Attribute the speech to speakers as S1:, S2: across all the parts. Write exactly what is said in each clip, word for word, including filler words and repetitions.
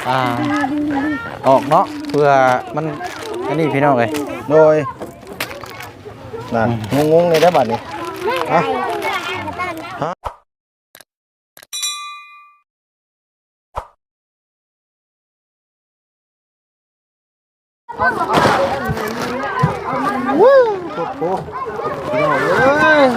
S1: อ่าออกเนาะเพื่อมันอันนี้พี่น้องเลย
S2: โดยนั่นงงๆเลยได้บัดนี้ฮะวู้โอ้โหพี่น้องเอ้ย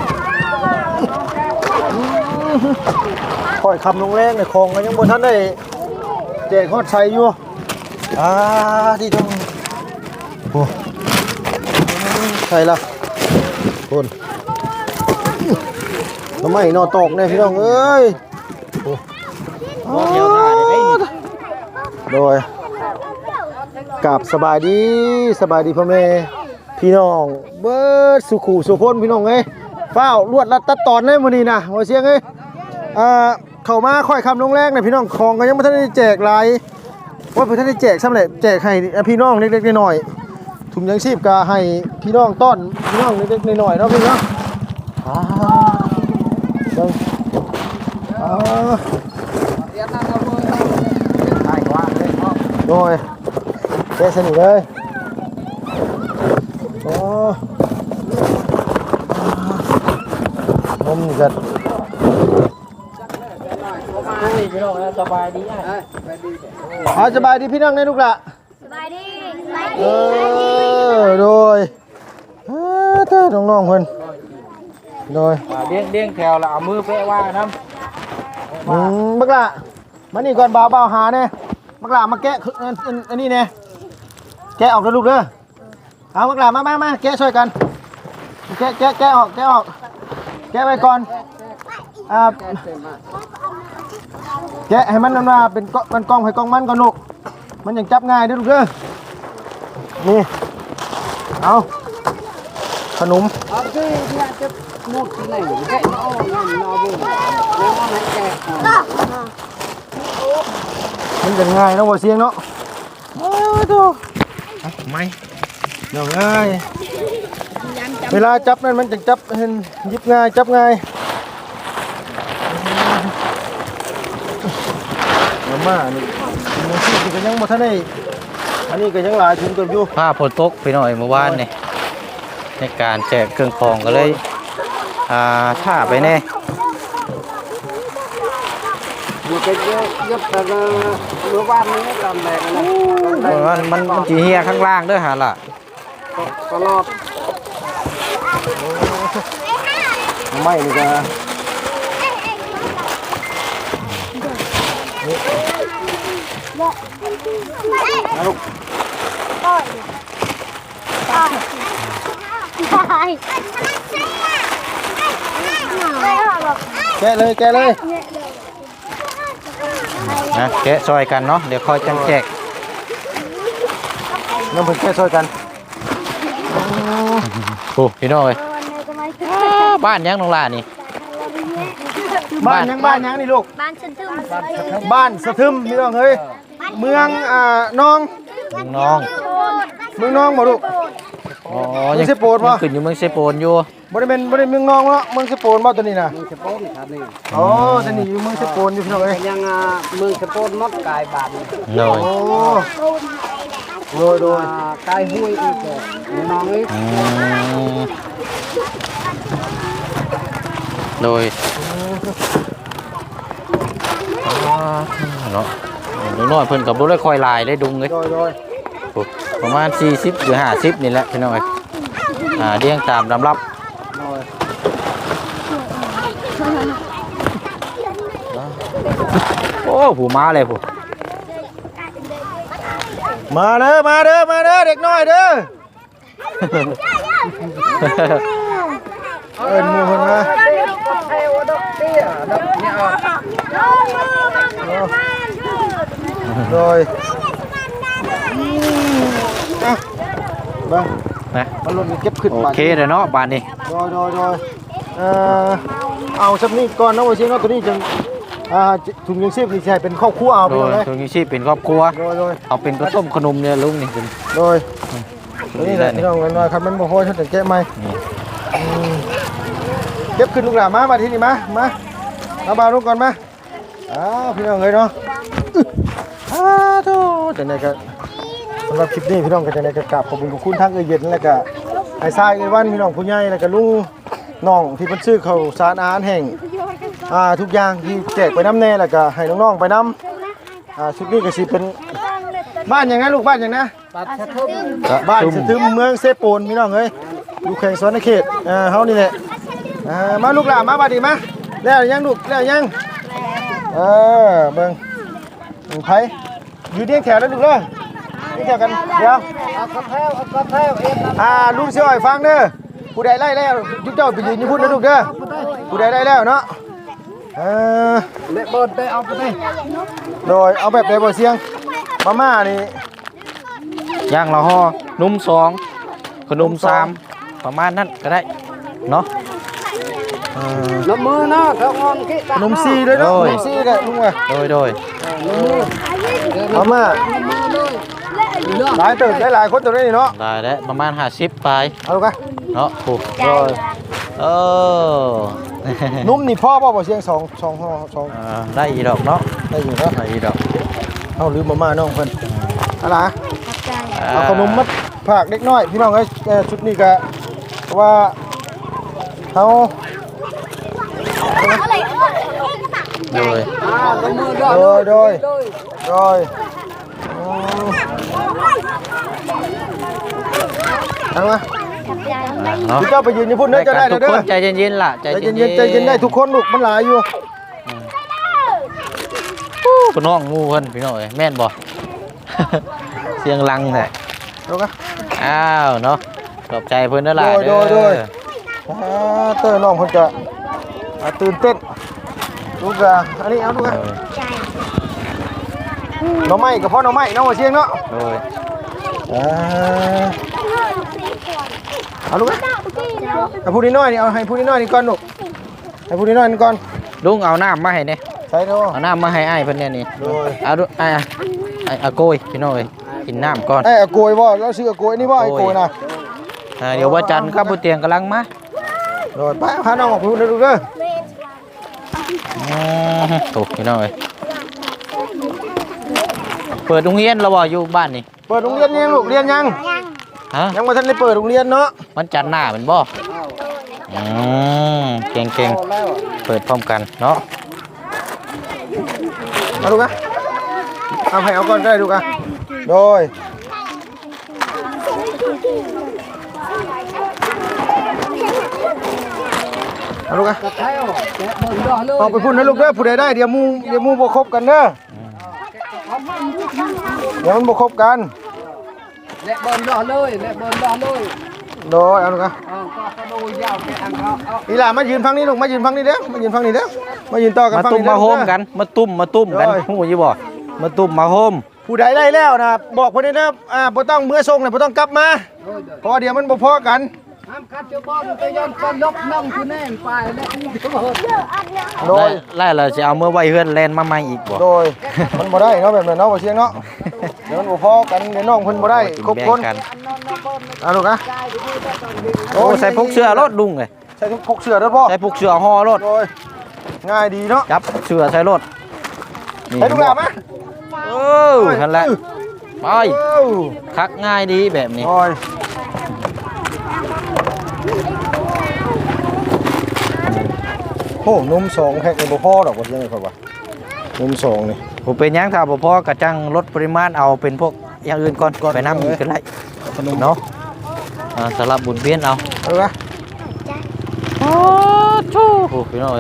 S2: ค่อยคำลงแรงในคลองก็ยังบ่ทันได้แจกฮอดใส่อยู่อ่าที่ตรงโอ้ใส่ละคนทำไมนอตกเนี่ยพี่น้องเอ้ยโอ้โดยกราบสบายดีสบายดีพ่อแม่พี่น้องเบิดสุขุสุพนพี่น้องเอ้ยเฝ้าลวดรัดตัดตอนได้มื้อนี้นะว่าเสียงเอ้ยอ่าเข้ามาค่อยคำลงแรกเนี่ยพี่น้องของก็ยังไม่ทันได้แจกหลายว่าเพิ่นทันได้แจกซ้ำแหละแจกให้พี่น้องเล็กๆน้อยๆถุงยังชีพก็ให้พี่น้องต้อนพี่น้องเล็กๆน้อยๆเนาะพี่เนาะอ่าจังอ่าโดยแกสนิทเลยโอ้นมกัดพี่น้องสบายดีอ่ะสบายดีพี่น้องในลูกละ
S3: สบายดี
S2: เออโดยเออเธอน้องๆเพิ่นโดย
S1: เลี้ยงเลี้ยงแถวแล้วเอามือเปะว่าน้ำ
S2: อืมบักละมานี่ก่อนเบาเบาหาเนี่ยบักละมาแกะอันนี้เนี่ยแกะออกเลยลูกเด้อเอาบักละมามามาแกะช่วยกันแกะแกะแกะออกแกะออกแกะไปก่อนอ่าแกะให้มันนั่นว่าเป็นก้อนกล้องให้กล้องมันก่อนลูกมันยังจับง่ายเด้อลูกเด้อนี่เอาขนม
S3: เอาที่ที่จะหมดที่ไหนแกะเอาเงินเอาบุญแล้วมาให้แกะ
S2: มันจะง่ายเนาะบ่เสียงเนาะโอ้โธ่ไม่เดี๋ยวง่ายเวลาจับนั่นมันจะจับเห็นหยิบง่ายจับง่ายมาม่านี่มันที่ก็ยังบ่ทันได้อันนี้ก็ยังหลายถุงเกินอยู่
S1: ผ้าฝนตกพี่น้อยเมื่อวานนี่ในการแจกเครื่องคองก็เลยอ่าท่าไปแน่
S3: อยู่ไปเยอะเยอะแต่เมื่อวานนี้ตอนแรกนะ
S1: มันมันมันจีเฮียข้างล่างเด้อฮะล่ะ
S3: ตลอด
S2: ไม่นี่ก็ลูกแกะเลยแกะเลย
S1: นะแกะซอยกันเนาะเดี๋ยวคอยจังแจก
S2: น้ำเพิ่งแกะซอยกัน
S1: โอ้พี่น้อยบ้านยังน้องล่านี่
S2: บ้านยังบ้านยังนี่ลูก
S3: บ้านสะทึม
S2: บ้านสะทึมพี่น้องเฮ้ยเมืองอ่าน้อง
S1: น้อง
S2: เมืองน้องบ่ลูก
S1: อ๋อยังเซโปนบ่ขึ้นอยู่เมืองเซโปนอยู่
S2: บ่ได้เป็นบ่ได้เมืองน้องเนาะเมืองเซโปนบ่ตัวนี้น่ะ
S3: เมืองเซโปนครับนี่
S2: อ๋อตัวนี้อยู่เมืองเซโปนอยู่พี่น้องเอ้ย
S3: ยังเมืองเซโปนมดกายบาด
S1: โดย
S2: โดยโดย
S3: กายห้วยอีกน้องเอ้ย
S1: โดยเนาะน้อยเพิ่นกับบ่ได้คอยลายได้ดุงเลยประมาณสี่สิบหรือห้าสิบนี่แหละพี่น้องเอ้ยอ่าเรียงตามลำรับโอ้ผูมาเลยผู
S2: มาเด้อมาเด้อมาเด้อเด็กน้อยเด้อเอิ้นหมู่เพิ่นมาโดยอ่ะบ้างนะมันลงเก็บขึ้น
S1: โอเคเลยเนาะบ้านนี้
S2: โดยโดยโดยเอ่อเอาสักนิดก่อนนะว่าเชียงเนาะตัวนี้จังอ่าถุงยังชีพนี่ใช่เป็นครอบครัวเอาไปเลย
S1: ถุงยังชีพเป็นครอบครัว
S2: โดยโดย
S1: เอาเป็นกระต้มขนมเนี่ยลุงนี่เป็น
S2: โดยนี่แหละพี่น้องกันว่าครับมันบ่พอฉันจะแก้ไหมเก็บขึ้นลูกหลานมามาที่นี่มามาเอาบาลูกก่อนมาอ้าวพี่น้องเลยเนาะอ้าโธ่จังได๋ก็สำหรับคลิปนี้พี่น้องก็จังได๋ก็กราบขอบคุณขอบคุณทางเอื้อเย็นแล้วก็ไอ้ทรายไอ้วันพี่น้องผู้ใหญ่แล้วก็ลุงน้องที่เพิ่นซื้อข้าวสารอาหารแห้งอ่าทุกอย่างที่แจกไปน้ำแน่แล้วก็ให้น้องๆไปน้ำอ่าชุดนี้ก็สิเป็นบ้านหยังไงลูกบ้านหยังนะ
S3: ปัดชะทึม
S2: บ้านสะทึมเมืองเซโปนพี่น้องเอ้ยอยู่แข่งสวนเขตอ่าเฮานี่แหละอ่ามาลูกหลานมาบัดนี้มาแล้วยังลูกแล้วยังเออเบิ่งเบิ่งไผอยู่เรียงแถวแล้วลูกเด้อเรียงแถวกันเดี๋ยว
S3: เอากระเพราเอากระเพราเอ็น
S2: อ่าลุงสิอ้อยฟังเด้อผู้ใดไล่แล้วจุ๊เจ้าไปยืนอยู่พุ่นนะลูกเด้อผู้ใดได้แล้วเนาะเออ
S3: เละเบิดได้เอาไปได้
S2: โดยเอาแบบใดบ่เสียงมาม่านี่
S1: ย่างละห่อนุ่มสองขนมสามประมาณนั้นก็ได้เนาะ
S2: เออ
S3: น้ำมือเนาะเขางอนขี้
S2: ขนมซีด้วยเนาะ
S1: โอ้
S2: ข
S1: ย
S2: นมซีก็ลุงว่า
S1: โดยโดย
S2: มาม่า
S3: มือเลยเลือก
S2: หลายตึกหลายๆคนตัวนี้เนาะ
S1: ได้แล้วประมาณห้าสิบปลาย
S2: เอาลูกอะ
S1: เนาะถูก
S2: โดย
S1: เออ
S2: นุ่มนี่พ่อบ่บ่เสียงสองสองห่อสอง
S1: อ่าได้อีดอกเนาะ
S2: ได้อยู่เนาะ
S1: ได้อีดอก
S2: เอาลืมมาม่าน้องเพิ่นอะไร
S1: อ่า
S2: เอาขนมมัดผักเล็กน้อยพี่น้องเอ้ยเอ่อชุดนี้ก็เพราะว่าเฮา
S1: โดย
S3: อ่าน้ำมือเลือก
S2: โดยโดย
S3: เลย
S2: โดยอืมเอามา
S1: เนาะ
S2: พี่เจ้าไปยืนอยู่พุ่นเด้อจะได้
S1: ทุ
S2: เด้
S1: ก
S2: อ
S1: คนใจเย็นๆล่ะใจ
S2: ใจ
S1: เย็นๆ
S2: เย็นๆใจเย็นได้ทุกคนลูกมันหลายอยู่
S1: พี่น้องงูเพิ่นพี่น้องเอ้ยแม่นบ่ เสียงลังแท้
S2: ลูกอะ
S1: อ้าวเนาะขอบใจเพิ่นเด้อล่ะ
S2: โดยโดยโดย อ่าเต้ยน้องเพิ่นจะอ่าตื่นเต้นลูกอะอันนี้เอาลูกอะ
S1: โดย
S2: หน่อไม้กับพ่อหน่อไม้เนาะว่าเชียงเนาะ
S1: โดย
S2: อ่าเอาลูกอะเอาผู้นี้น้อยนี่เอาให้ผู้นี้น้อยนี่ก่อนลูกให้ผู้นี้น้อยนี่ก่อน
S1: ลุงเอาน้ำมาให้เนี่ย
S2: ใส่เนาะ
S1: เอาน้ำมาให้อ้ายเพิ่นเนี่ยนี่
S2: โดย
S1: เอาดูอ้ายอ่ะอ้ายเอาโกยพี่น้องเอ้ยกินน้ำก่อน
S2: ไอ้อะโกยบ่แล้วซื้ออะโกยนี่บ่ไอ้โกยนะ
S1: อ่าเดี๋ยวว่าจันทร์ครับผู้เตียงกำลังมา
S2: โดยไปพาน้องออกไปพูดนะลูกเด้อ
S1: อืมถูกพี่น้องเอ้ยเปิดโรงเรียนเราบ่อยู่บ้านนี่
S2: เปิดโรงเรียนยังลูกเรียนยัง
S1: ฮะ
S2: ยังบ่ทันได้เปิดโรงเรียนเนาะ
S1: มันจันทร์หน้าเป็นบ่อืมเก่งเก่งๆเปิดพร้อมกันเนาะ
S2: เอาลูกอะเอาให้เอาก่อนก็ได้ลูกอะโดยเอาลูกอะ
S3: กระเพราแกะเบิดเลือกเลย
S2: เอาไปพูดนะลูกเด้อผู้ใดได้เดี๋ยวหมูเดี๋ยวหมูบ่ครบกันเด้อเดี๋ยวมันบ่ครบกัน
S3: เละเบิดเลือกเลยเละเบิดเลือกเลย
S2: โดยเอาลูกอะ
S3: เออก็กระโดดยาวแกะอังเขาเอา
S2: อีหล่ามายืนฟังนี่ลูกมายืนฟังนี่เด้อมายืนฟังนี่เด้อมายืนต่อกัน
S1: มา
S2: ฟัง
S1: ตุ้ม
S2: นี่เด้
S1: มา
S2: อ
S1: โฮมกันมาตุ้มมาตุ้มกัน
S2: โอ้ย
S1: ฮู้อยู่บ่มาตุ้มมาโฮม
S2: ผู้ใดได้แล้วนะบอกเพิ่นเด้ออ่าบ่ต้องเมื่อส่งน่ะบ่ต้องกลับมาเพราะว่าเดี๋ยวมันบ่พอกัน
S3: ห้ามคัดเจ้าบอลไปย้อนกันลบน้องคือแน่นไปและนี่ก็เบิด
S2: โดย
S1: ไล่ไล่เราจะเอาเมื่อไว้เฮือนแลนมาใหม่อีกบ่
S2: โดยมันบ่ได้เนาะแบบนั้นเนาะบ่เชียงเนาะเดี๋ยวมันบ่พอกันเดี๋ยวน้องเพิ่นบ่ได้ครบคน
S1: แบ่งกัน
S2: เอาลูกอะ
S1: โอ้ใส่พกเสื้อรถลุงเลย
S2: ใส่ทุกพกเสื้อเด้อพ่อ
S1: ใส่พกเสื้อห่อรถ
S2: โดยง่ายดีเนาะ
S1: จับเสื้อใส่รถนี่
S2: ให้ลูกหลานมา
S1: เออนั่นแหละไป
S2: เอ้า
S1: คักง่ายดีแบบนี้
S2: โอ้ยโอ้นมสองแพ็คนี่บ่พอดอกว่าเชียงนี่ค่อยว่านมสองนี่
S1: ผมเป็นหยังถ้าบ่พอกระจังลดปริมาณเอาเป็นพวกอย่างอื่นก่อนไปน้ำอีกก็ได้
S2: ขนม
S1: เนาะอ่าสลับบุญเวียนเอา
S2: เอาลูกอะ
S1: โอ้ชู้โอ้พี่น้อย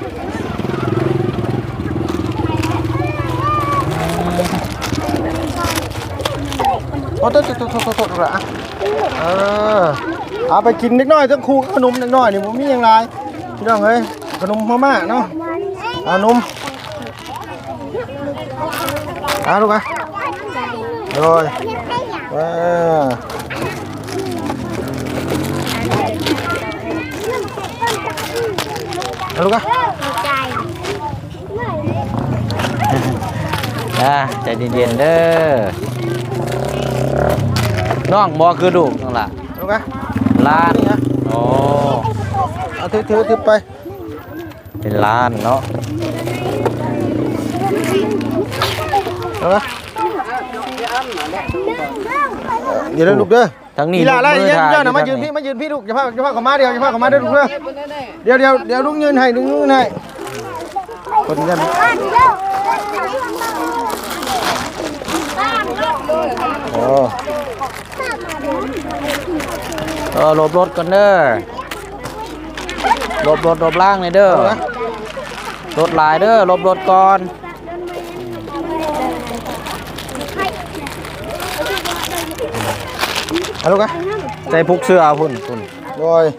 S2: โอ้โตโตโตโตโตโตละเออเอาไปกินนิดหน่อยทั้งคู่ขนมนิดหน่อยนี่บ่มีหยังหลายพี่น้องเอ้ยขนมมาม่าเนาะเอานมเอาลูกอะโดยเออเอาลูกอะ
S1: อ่าใจเย็นๆเด้อน้องบ่คือลูกนั่นล่ะ
S2: ลูกอะ
S1: ล้านโอ้
S2: เอาถือถือถือไป
S1: เป็นล้านเนาะ
S2: เอาละเดี๋ยวลูกเด้อ
S1: ทั้งนี้
S2: นี่ละอะไร
S1: มือ
S2: ยืน
S1: ถ่าย
S2: เจ้าน่ะมายืนพี่มายืนพี่ลูกอย่าพาอย่าพาเข้ามาเดียวอย่าพาเข้ามาเด้อลูกเด้อเดี๋ยวเดี๋ยวเดี๋ยวลุงยืนให้ลุงยืนให้คนนี้ได้ไหมโอ้
S1: เออหลบรถก่อนเด้อหลบรถหลบล่างเลยเด้อรถหลายเด้อหลบรถก่อน
S2: เอาลูกอะ
S1: ใส่พุกเสื้อพุ่นพุ่น
S2: โดย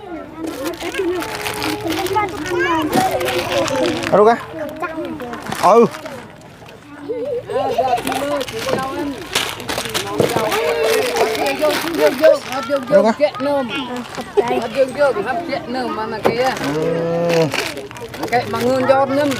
S2: เอาลูกอะเอา
S3: dương dương hấp dương dương chuyện nôm hấp dương dương hấp chuyện nôm mà mà kia cái bằng ngươn giọt nôm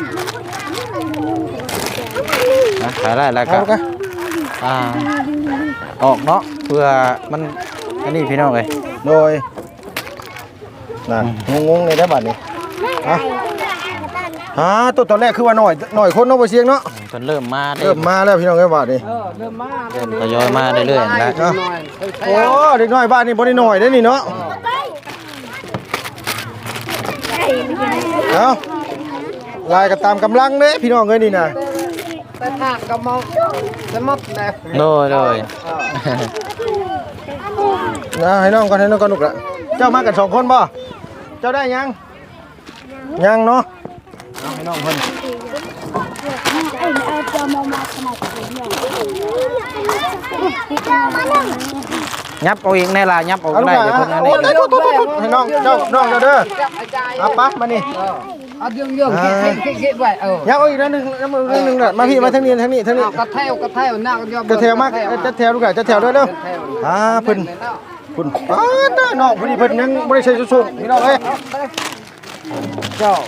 S1: นะขายได้แล้วก็อ่าออกเนาะเพื่อมันอันนี้พี่น้องเลย
S2: โดยนั่นงงๆเลยได้บัดนี้ฮะฮะตัวตอนแรกคือว่าหน่อยหน่อยคนเนาะบ่เสียงเนาะ
S1: จนเริ่มมาได้
S2: เริ่มมาแล้วพี่น้องเอ้ยบัดนี้
S3: เริ่มมา
S1: เริ่มทยอยมาเรื่อยๆแล้ว
S2: โอ้เด็กน้อยบ้านนี้บ่ได้หน่อยเด้อนี่เนาะเอาลายก็ตามกำลังเด้พี่น้องเอ้ยนี่น่ะ
S3: แต่ถ้าก็มองจะมัดแน่
S1: โดยโดย
S2: นะให้น้องก่อนให้น้องก่อนลูกละเจ้ามากันสองคนบ่เจ้าได้ยังยังเนาะเอาให้น้องเพิ่น
S1: ยับเอาอีกแน่ล่ะยับเอา
S2: เอาลูก
S1: ได้
S2: ละ
S1: เดี๋ยวเพิ่นอัน
S2: โอ้
S1: นี้
S2: ยโทษโทษโทษให้น้องเจ้าน้องเจ้าเด้อเอาปะมานี่
S3: hấp dương dương cái cái cái vậy ờ
S2: ยับเอาอีกนิดนึงยับเอาอีกนิดนึงน่ะมาพี่มาทางนี้ทางนี้ทางนี้
S3: cắt theo cắt theo nào cho
S2: จะแถวมากจะแถวลูกละจะแถวด้วยเด้ออ่าเพิ่นเพิ่นอ้าน้าน้องพอดีเพิ่นยังบ่ได้ใส่ชุดๆพี่น้องเอ้ยเจ้า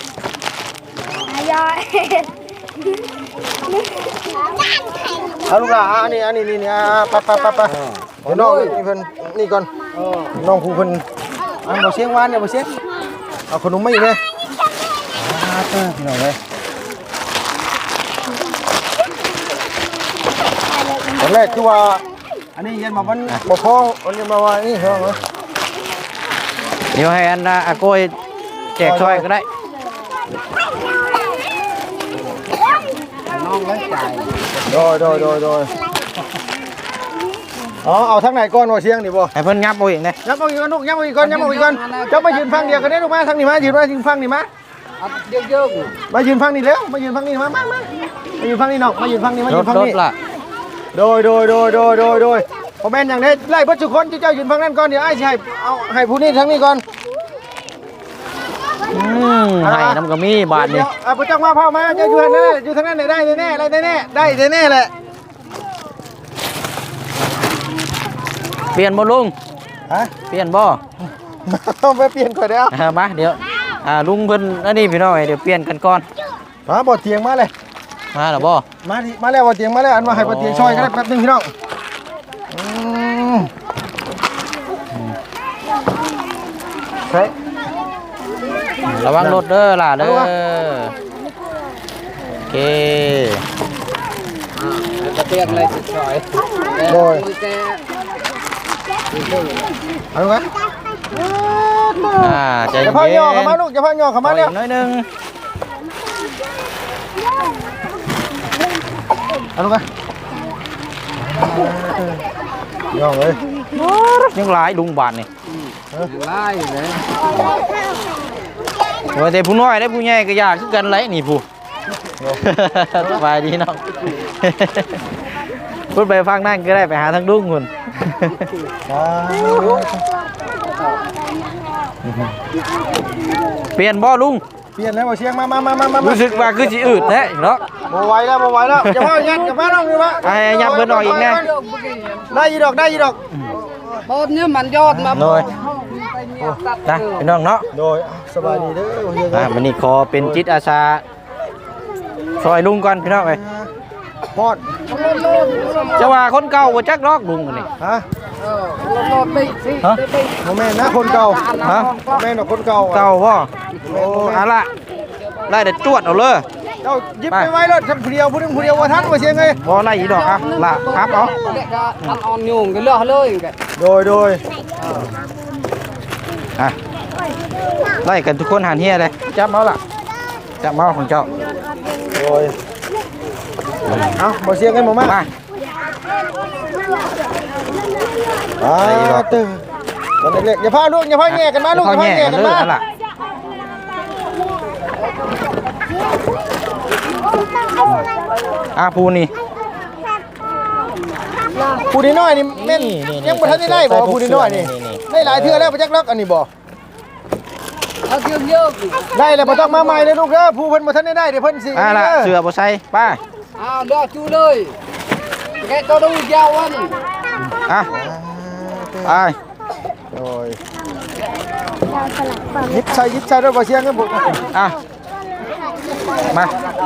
S2: เอาลูกหลานอันนี้อันนี้นี่นี่ปะปะปะปะเดี๋ยวน้องนี่เพิ่นนี่ก่อนน้องครูเพิ่นอันบ่เสียงหวานเนี่ยบ่เสียงเอาขนมมาอีกเลยอ่าเต้อพี่น้องเอ้ยตอนแรกคือว่าอันนี้ยันมาวันบ่พออันนี้มาว่านี่เหรอ
S1: เดี๋ยวให้อันน่ะอาโกยแจกช่วยก็ได้
S3: non lấy chạy
S2: โดยโดยโดยโดยอ๋อเอาทางไหนก่อนว่าเสียงนี่บ่
S1: ให้เพิ่นยับเอาอีกนะ
S2: ยับเอาอีกก่อนลูกยับเอาอีกก่อนยับเอาอีกก่อนเจ้ามายืนฟังเดียวกันได้ลูกมาทางนี้มายืนมายืนฟังนี่มา
S3: dương dương
S2: มายืนฟังนี่แล้วมายืนฟังนี่มามามามายืนฟังนี่น้องมายืนฟังนี่มา
S1: ร
S2: ยื
S1: ถ
S2: นฟัง
S1: รถ
S2: นี่
S1: ล่ะ
S2: โดยโดยโดยโดยโดยโดยพอแม่นอย่างนี้ไล่เบิดทุกคนเจ้ายืนฟังนั่นก่อนเดี๋ยวไอ้สิให้เอาให้ผู้นี้ทั้งนี้ก่อน
S1: อืมให้น้ำกระมี่บาทนี่
S2: เดี๋ยวเอาผู้จักมาเผามาเจ้าอยู่ทางนั้นอยู่ทางนั้นได้แน่ๆได้แน่ๆได้แน่ๆแหละ
S1: เปลี่ยนบ่ลุง
S2: ฮะ
S1: เปลี่ยนบ่
S2: ต้องไปเปลี่ยนก่อนเดี๋ยว
S1: อ่ามาเดี๋ยวอ่าลุงเพิ่นอันนี้พี่น้องเดี๋ยวเปลี่ยนกันก่อน
S2: มาบ่เตียงมาเลย
S1: มาแล้วบ่
S2: มาดิมาแล้วบ่เตียงมาแล้วอันว่าให้บ่เตียงช่วยกันได้แป๊บนึงพี่น้องอืมใช่
S1: ระวังรถเด้อล่ะเด้อ
S2: ระวัง
S1: โอเค
S3: cái tiền này sẽ sỏi
S2: โดย
S3: cái
S2: เอาลูกนะ
S1: อ่าใจ
S2: อย่า
S1: เย็น
S2: พาย่อเข้ามาลูกอย่าพาย่อเข้ามา
S1: ปล่
S2: เร็
S1: อ
S2: วย
S1: น้อยหนึง
S2: เอาลูกนะย่อเลย
S1: ยังหลายลุงบาทนี่
S3: lai đấy
S1: ว่าแต่ผู้น้อยได้ผู้ใหญ่ก็ยากคือกันไรนี่ผู้ สบายดีเนาะ พูดไปฟังนั่นก็ได้ไปหาทางดุ้งคุณ เปลี่ยนบ่ลุง
S2: เปลี่ยนแล้วบ่เชียงมามามามามา
S1: รู้สึกว่าคือสิอืดแท้เนาะ
S2: บ่ไหวแล้วบ่ไหวแล้วอย่าพายัดอย่าพาน้องนี่วะ
S1: ไอ้ยับเพิ่นออกอีกแน่
S2: ได้ยีดอกได้ยีดอก
S3: bớt nhớ mặn giọt mà
S1: โดยนะพี่น้องเนาะ
S2: โดยสบายดีเด้อเฮีย
S1: อ่าวันนี้ขอเป็นจิตอาสาซอยลุงก่อนพี่น้องเอ้ย
S2: พอด
S1: จะว่าคนเก่าบ่จักดอกลุงอันนี่
S2: ฮะ
S3: lột lột đi đi
S1: Hả?
S3: đi đi
S2: บ่แม่นนะคนเก่า
S1: ฮะ
S2: บ่แม่นดอกคนเก่า
S1: เก่าบ่โอ้อะล่ะไล่แต่จวดเอาเลย
S2: โเจ้ายิบไปไว้รถทำผู้เดียวผู้นึงผู้เดียวว่าทันว่าเสียงไง
S1: บ่ไล่อีดอกอ่ะละครับเอา
S3: Cái đó ăn on nhung cái lọ lơi cái.
S2: โดยโดย
S1: อ่ะไล่กันทุกคนหันเฮียเลยจับเมาล่ะจับเมาของเจ้า
S2: โดยเอาบ่เสียงกันบ่มา
S1: มา
S2: อ่าตึงตอนเล็กๆอย่าพาลูกอย่าพาแง่กันมาลูกอย่าพาแง่กันมา
S1: ล่ะอ่ะปูนี่
S2: ผู้น้อยนี่แม่นยังบ่ทันได้ได้บ่ผู้น้อยนี่ได้หลายเทื่อแล้วบ่จักล็อกอันนี้บ่
S3: Nó dương dương.
S2: ได้แล้วบ่ต้องมาใหม่เลยลูกเด้อผู้เพิ่นบ่ทันได้ได้เดี๋ยวเพิ่นสิ
S1: อ่ะล่ะเสือบ่ใส่ไป้า
S3: À đó chú ơi. Cái tao đâu giao anh.
S1: อ่ะไป
S2: โอ้ยยิบใส่ยิบใส่ด้วยบ่เสียงกันบ่
S1: อ่ะมา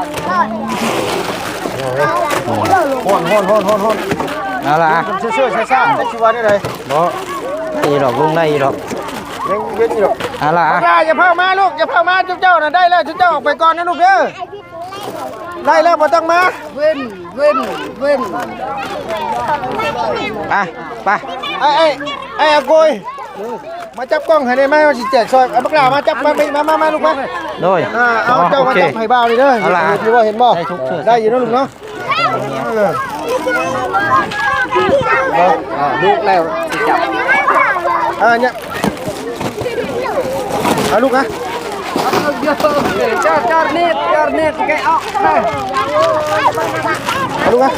S2: ฮ้อนฮ้อนฮ้อนฮ้อนฮ้อน
S1: เอาล่ะอ่ะ
S2: เชื่อๆซ่าๆจักสิว่าได้ได
S1: บ่ได้อีดอกลุงได้อีดอก
S2: ยังเว้นอยู่
S1: เอาล่ะอ่ะ
S2: อย่าอย่าพามาลูกอย่าพามาจุ๊บเจ้าน่ะได้แล้วจุ๊บเจ้าออกไปก่อนนะลูกเด้อได้แล้วบ่ต้องมา
S3: Vinh, Vinh, Vinh.
S1: อ่ะไป
S2: ไอ้ไอ้ไอ้อากุยมาจับกล้องให้ได้ไหมว่าสิแจกซอยเอาบักหลามาจับมามามามาลูกมา
S1: โดย
S2: อ่าเอาเจ้า
S1: โอ
S2: มา
S1: เค
S2: จับให้บ่าวนี่เด้อ
S1: เอาล่ะ
S2: ที่ว่าเห็นบ่
S1: ได้ทุกเชือก
S2: ได้อยู่นะลูกเนาะเออ
S3: À, lúc nào thì chậm.
S2: อ่าเนี่ยเอาลูกนะ
S3: Để cho cho nét, cho nét cái óc này.
S2: เอาลูกนะ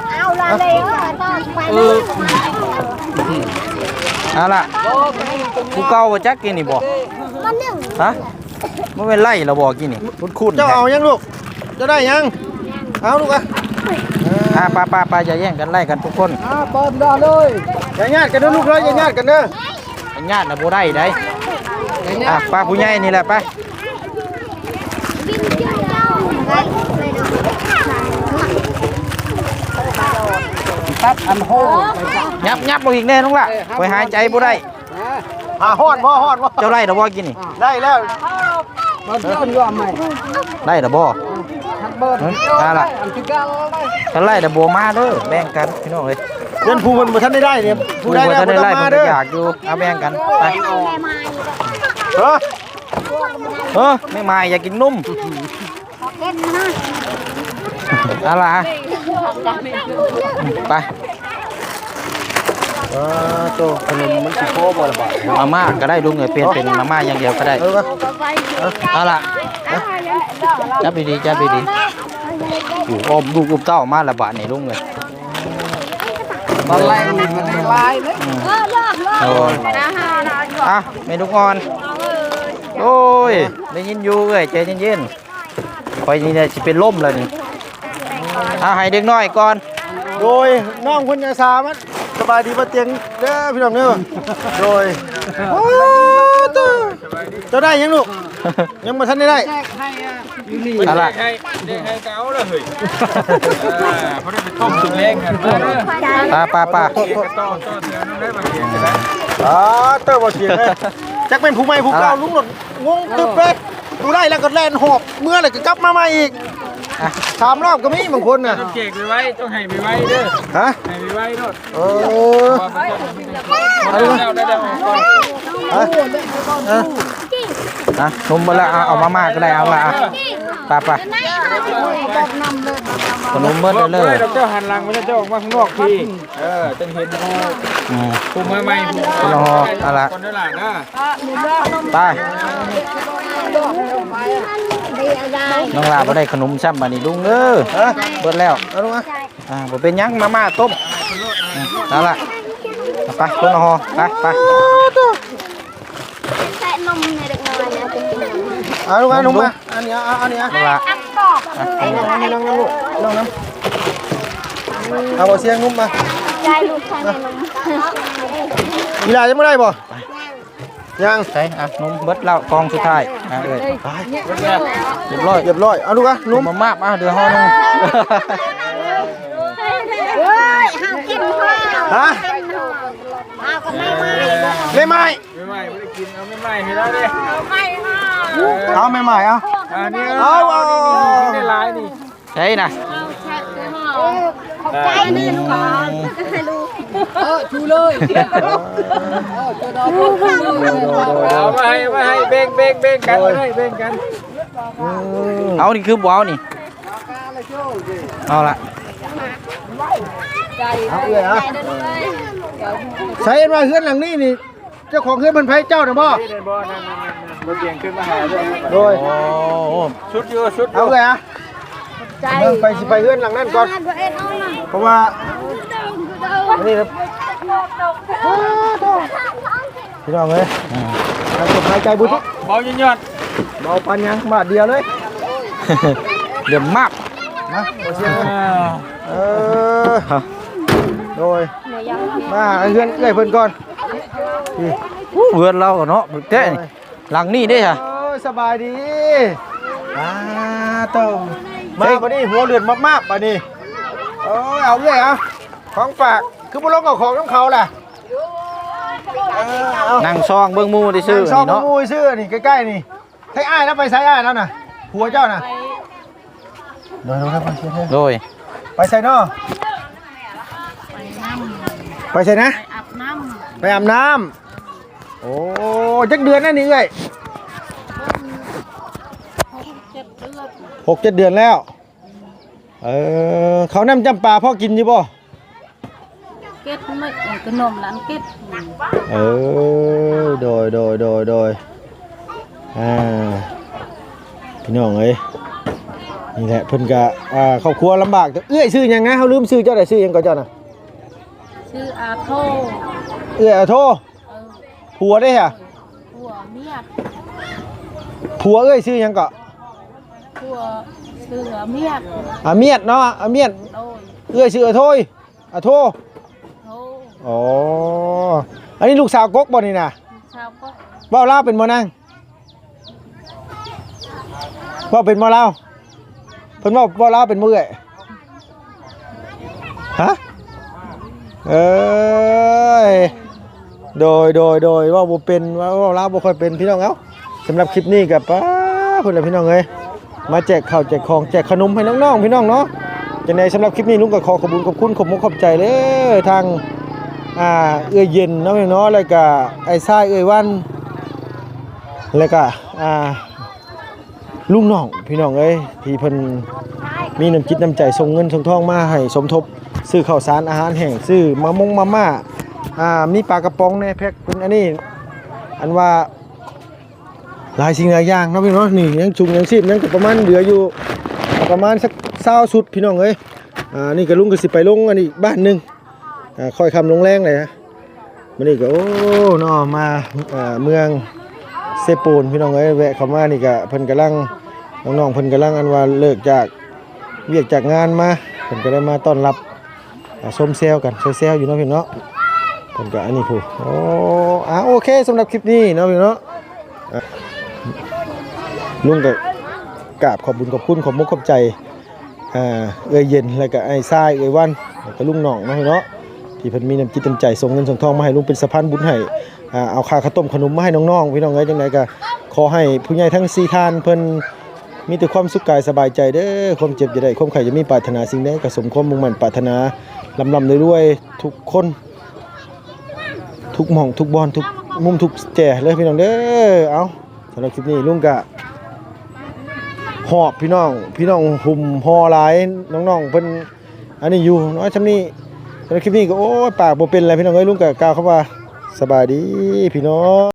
S1: Ừ. เอาล่ะกูเก่าบ่จักกินนี่บ่ฮะบ่แม่นไล่เราบ่กินนี่คุ้นๆ
S2: เจ้าเอายังลูกเจ้าได้ยังเอาลูกอ่ะ
S1: อ่ะไปไปไปอย่าแย่งกันไล่กันทุกคน
S3: À, bơm đó ơi.
S2: อย่าญาติกันเด้อลูกเด้ออย่าญาติกันเด้อ
S1: ญาติน่ะบ่ได้ได้อ่ะป้าผู้ใหญ่นี่แหละไป
S3: Tắt ăn hô.
S1: ยับยับบ่อีกแน่น้องล่ะไปหายใจบ่ได้
S3: À,
S2: อ่าฮ้อนบ่ฮ้อนบ่
S1: เจ้าไล่ดอกบ่กินนี่
S2: ได้แล้ว
S3: bơm đó ăn gom mày.
S1: ไล่ดอกบ่
S3: Thằng bơm.
S1: À, là-
S3: Ăn cái gal đây.
S1: ถ้าไล่ดอกบ่มาเด้อแบ่งกันพี่น้องเอ้ย
S2: เดินผู้มันบ่ทันได้ได้เนี่ย
S1: ผู้
S2: ผู้ได้
S1: บ่
S2: แล้ว
S1: ทัน
S2: บ่
S1: ได้
S2: ต้อง
S1: ไล่
S2: มา
S1: ผมก็
S2: เด้อ
S1: อยากอยู่เอาแบ่งกันไป
S2: เออ
S1: เออไม่มาอยากกินนุ่มเอาล่ะไป
S2: เออโตขนมมันสิโคบ่ล่ะบ่
S1: มาม่าก็ได้ลุงเอ้ยเปลี่ยนเป็นมาม่าอย่างเดียวก็ได้
S2: เออ
S1: เอาล่ะจับดีๆจับดีๆอยู่อมดูกุบเต้ามาละบาทนี่ลุงเลย
S3: Còn lại thì mình đi lai đấy.
S1: โอ้ยอ่ะเมนูอ่อนโอ้ยได้ยินอยู่เอ้ยใจเย็นๆคอยนี่เนี่ยสิเป็นล่มแล้วนี่เอาให้เด็กน้อยก่อน
S2: โดยน้องเพิ่นยาสามันสบายดีบ่เตียงเด้อพี่น้องเด้อโดยโอ้โตเจ้าได้ยังลูกยังบ่ทันได้ได้
S3: Hay à.
S1: เอาล่ะ
S4: ให้ได้ให้เก้าเลยเฮ้ยเขาได้ไปต้มสุกเล้งกันเออ
S1: ป้าป้าป้า
S4: ต้อต้อเดี๋ยวน้องได้มาเกียงกันนะ
S2: อ๋อเตอร์บ่เสียงเลยจักเป็นผู้ใหม่ผู้เก่าลุงหลดงงตึบเลยดูได้แล้วก็แล่นหอบเมื่อแล้วก็กลับมาใหม่อีกสามรอบก็มีบางคนน่ะ
S4: ต้องเจกไปไว้ต้องให้ไปไว้เด้อ
S2: ฮะ
S4: ให้ไปไว้โนด
S2: เออ
S4: ได้แล้วได้แล้วก่อน
S2: ฮะ
S1: อ่ะนมมาละเอาเอามาม่าก็ได้เอาละอ่ะป้าป้าขนมเบิดเลยเลย
S4: เจ้าหันหลังไม่ใช่เจ้าออกมาข้างนอกทีเออจังเห็น
S1: อืม
S4: ภูมิใหม่ภูมิ
S1: คนละห่อเอาล่ะ
S4: คนได้หลานนะ
S1: ไปน้องลาบ่ได้ขนมซ้ำมานี่ลุงเด้อ
S2: ฮะ
S1: เบิดแล้ว
S2: เอาลูกอ่ะ
S1: อ่าบ่เป็นหยังมาม่าต้มอืมเอาล่ะเอาไปคนละห่อไปไป
S2: เอาลูกอ่ะนุ่มมาอันนี้เอาอันนี้อ่ะ
S1: น้องลา
S2: อันนี้อันนี้น้องน้ำลูกน้องน้ำเอาบ่เสียงนุ่มมา
S5: ได้ลูกชายนม
S2: กีฬาจะไม่ได้บ่ยัง
S1: ใส่อ่ะนมเบิดแล้วกองสุดท้ายอ่ะเอ้ยเรียบร้อย
S2: เรียบร้อยเอาลูกอ่ะ
S1: นุ่
S2: นุ่
S1: ม
S2: ม
S1: มามากมาเดือห่อหนึง
S5: เฮ้ยห้ามกินข้าว
S2: ฮะ
S5: เอาก็ไม่ไม่
S2: ไม่ไม่
S4: ไม่ไม่ไม่ได้กินเอาไม่ไม่ให้แล้วเด้
S5: ไม่ค่ะ
S2: เอาไม่ไม่เอา
S5: พวก
S4: อันนี้
S2: เอาเอา
S4: ได้หลายนี่
S1: ใช่นะ
S5: ใจนี่ลูกก่อนให้ลูก
S3: เออชูเลยเออจะดอกลูกเลย
S4: เอามาให้มาให้เบ่งเบ่งเบ่งกันเลยเบ่งกัน
S1: เอานี่คือบ่เอานี่เอาละ
S3: ใจ
S2: เอาเลยอ่ะ
S5: ใจเดินเลย
S2: ใส่มาเฮือนหลังนี้นี่เจ้าของเฮือนมันไผเจ้าน่ะบ่
S4: นี่เลยบ่นั่นนั่นนั่นรถเบียงขึ้นมาหาด้วย
S2: โดย
S1: โอ้โห
S4: ชุดอยู่ชุด
S2: เอาเลยอ่ะ
S5: ใจ
S2: เบิ่งไปสิไปเฮือนหลังนั้นก่อน
S5: ตัวเองเอาหน่อย
S2: เพราะว่าอันนี้ครับพี่น้องเอ้ยหายใจหายใจบุทุก
S4: เบาหยอด
S2: เบาปันยังบาทเดียวเลย
S1: เดี๋ยวมาก
S2: นะบ่เสียง
S4: ๆ
S2: เออโดย
S5: หนูยัง
S2: มาเฮือนเอ้ยเพิ่นก่อนนี่
S1: เพื่อนเราเนาะเจ๊นี่หลังนี่ได้ค่ะ
S2: โอ้ยสบายดีอ่าโตมาบัดนี้หัวเลือดมากๆบัดนี้โอ้ยเอาเลยเอาของฝากคือบ่ลงเอาของน้ำเขาแหละเออเอา
S1: นั่งซองเบิ่งหมูได้ซื้อ
S2: ซอง
S1: นี่เนาะ
S2: มูยซื้อนี่ใกล้ๆนี่ให้อ้ายแล้วไปใส่อ้ายแล้วน่ะผัวเจ้าน่ะเดี๋ยวๆครับไปเชื่อ
S1: โดย
S2: ไปใส่นอไปใส่นะ
S5: อาบน้
S2: ไปอาบน้ำโอ้จักเดือนนั่นนี่เอ้ยหกเจ็ดเดือนแล้วเออเขาน้ำจำปาพ่อกินอยู่บ่
S5: ำเก็ดไม่ขนมร้านเก็ด
S2: เออโดยโดยโดยโดยอ่าพี่น้องเอ้ยนี่แหละเพิ่นกะอ่าครอบครัวลำบากแต่เอื้อยซื้อหยังนะเขาลืมซื้อเจ้าได้ซื้อหยังก่อนเจ้าน่ะ
S5: ชื่ออาโท
S2: เอื้อยเอาโทร
S5: เออ
S2: ผัวได้ค่ะ
S5: หัวเมียด
S2: ผัวเอ้ยซื้อหยังเกาะ
S5: หัวเสือเมียด
S2: อาเมียดเนาะอาเมียด
S5: โดย
S2: เอื้อยซื้ออาโทยอาโท
S5: โท
S2: อ๋ออันนี้ลูกสาวกกบ่นี่น่ะ
S5: ชาวก็
S2: เว้าลาวเป็นบ่นางเว้าเป็นบ่ลาวเพิ่นเว้าเว้าลาวเป็นมื้อเอ้ยฮะเอ้ยโดยโดยโดยเว่าบ่เป็นเว่าเว้าลาวบ่ค่อยเป็นพี่น้องเอ้าสำหรับคลิปนี้ก็ป้าเพิ่นล่ะพี่น้องเอ้ยมาแจกข้าวแจกของแจกขนมให้น้องๆพี่น้องเนาะจังได๋สำหรับคลิปนี้ลุงก็ขอขอบคุณขอบคุณขอบมุกขอบใจเด้อทางอ่าเอื้อยเย็นเนาะพี่น้องเนาะแล้วก็ไอ้ทรายเอื้อยวันแล้วก็อ่าลุงน้องพี่น้องเอ้ยที่เพิ่นมีน้ำจิตน้ำใจส่งเงินส่งทองมาให้สมทบซื้อข้าวสารอาหารแห้งซื้อมะมงมาม่าอ่ามีปลากระป๋องแน่แพ็คเป็นอันนี้อันว่าหลายสิ่งหลายอย่างเนาะพี่น้องนี่ยังชุงยังชีพยังก็ประมาณเหลืออยู่ประมาณสักเศร้าสุดพี่น้องเอ้ยอ่านี่ก็ลุงก็สิไปลงอันนี้บ้านหนึงอ่าค่อยคำลงแรงเลยนะมื้อนี้ก็โอ้เนาะมาอ่าเมืองเซปูนพี่น้องเอ้ยแวะเข้ามานี่ก็เพิ่นกำลังน้องๆเพิ่นกำลังอันว่าเลิกจากเวียกจากงานมาเพิ่นก็ได้มาต้อนรับอ่าส้มเซลกันเซลอยู่เนาะพี่เนาะเพิ่นก็อันนี้ผู้โอ้อ่าโอเคสำหรับคลิปนี้เนาะพี่เนาะอ่ะลุงก็กราบขอบคุญขอบคุณขอบมุกขอบใจอ่าเอื้อยเย็นแล้วก็ไอ้ทรายเอื้อยวันแล้วก็ลุงหน่องเนาะพี่เนาะที่เพิ่นมีน้ำจิตน้ำใจส่งเงินส่งทองมาให้ลุงเป็นสะพานบุญให้อ่าเอาค่าข้าวต้มขนมมาให้น้องๆพี่น้องเอ้ยจังไดก็ขอให้ผู้ใหญ่ทั้งสี่ท่านเพิ่นมีแต่ความสุขกายสบายใจเด้อความเจ็บจะได้ความไข้จะมีปรารถนาสิ่งใดก็สมความมุ่งมั่นปรารถนาลำลำรวยๆทุกคนทุกหม่องทุกบอนทุกมุมทุกแจ่เลยพี่น้องเด้อเอาสำหรับคลิปนี้ลุงกะหอบพี่น้องพี่น้องหุ่มห่อหลายน้องๆเพิ่นอันนี้อยู่น้อยซำนี้สำหรับคลิปนี้ก็โอ้ยปากบ่เป็นอะไรพี่น้องเอ้ยลุงกะกล่าวคำว่าสบายดีพี่น้อง